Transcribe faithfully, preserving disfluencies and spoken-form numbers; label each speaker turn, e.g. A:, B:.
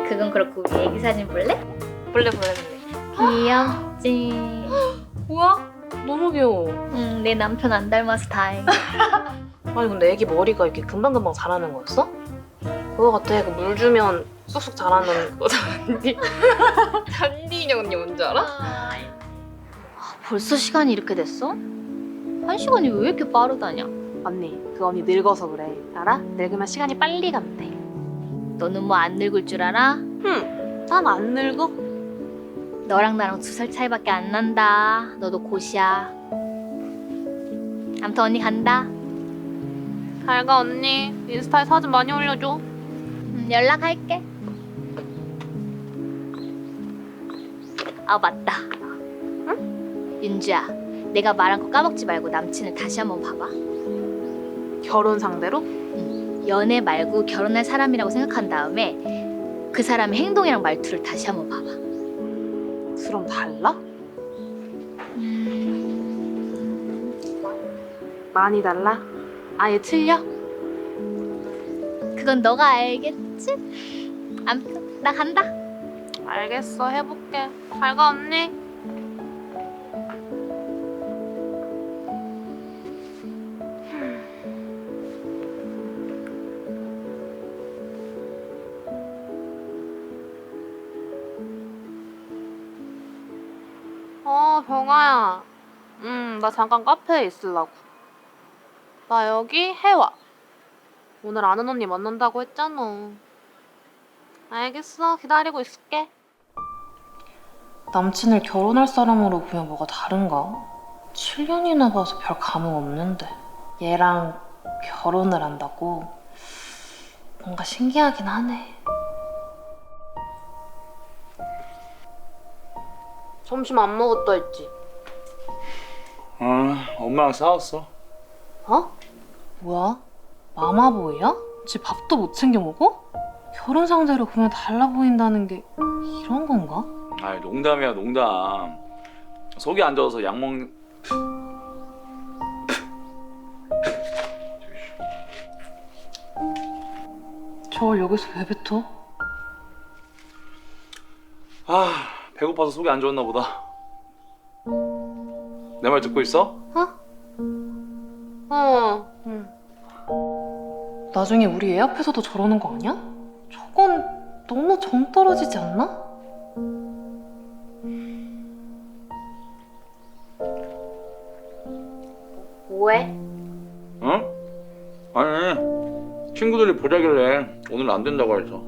A: 그건 그렇고 우리 애기 사진 볼래?
B: 볼래 볼래 볼래.
A: 귀엽지.
B: 뭐야? 너무 귀여워.
A: 응, 내 남편 안 닮아서 다행.
B: 아니 근데 애기 머리가 이렇게 금방금방 자라는 거였어? 그거 같아. 그 물 주면 쑥쑥 자라는 거 잔디. 잔디 인형 언니 뭔지 알아?
A: 아, 벌써 시간이 이렇게 됐어? 한 시간이 왜 이렇게 빠르다냐?
B: 언니 그 언니 늙어서 그래. 알아? 늙으면 시간이 빨리 간대.
A: 너는 뭐 안 늙을 줄 알아?
B: 흠, 난 안 늙어.
A: 너랑 나랑 두 살 차이밖에 안 난다. 너도 곧이야. 아무튼 언니 간다.
B: 잘 가 언니. 인스타에 사진 많이 올려줘.
A: 음, 연락할게. 아 맞다. 응? 윤주야, 내가 말한 거 까먹지 말고 남친을 다시 한번 봐봐.
B: 결혼 상대로?
A: 응. 연애 말고 결혼할 사람이라고 생각한 다음에 그 사람의 행동이랑 말투를 다시 한번 봐봐.
B: 그럼 달라?
A: 음...
B: 많이 달라? 아예 틀려?
A: 그건 너가 알겠지? 아무튼 나 간다.
B: 알겠어 해볼게. 잘 가 언니. 어 병아야. 응 나 잠깐 카페에 있으려고. 나 여기 해와. 오늘 아는 언니 만난다고 했잖아. 알겠어 기다리고 있을게. 남친을 결혼할 사람으로 보면 뭐가 다른가? 칠 년이나 봐서 별 감흥 없는데 얘랑 결혼을 한다고? 뭔가 신기하긴 하네. 점심 안 먹었다 했지?
C: 응, 엄마랑 싸웠어.
B: 어? 뭐야? 마마보이야? 지 밥도 못 챙겨 먹어? 결혼 상대로 보면 달라 보인다는 게 이런 건가?
C: 아이, 농담이야, 농담. 속이 안 좋아서 약 먹...
B: 저걸 여기서 왜 뱉어?
C: 아, 배고파서 속이 안 좋았나 보다. 내 말 듣고 있어?
B: 어, 응. 나중에 우리 애 앞에서도 저러는 거 아니야? 저건 너무 정 떨어지지 않나? 뭐해?
C: 응? 아니, 친구들이 보자길래 오늘 안 된다고 해서.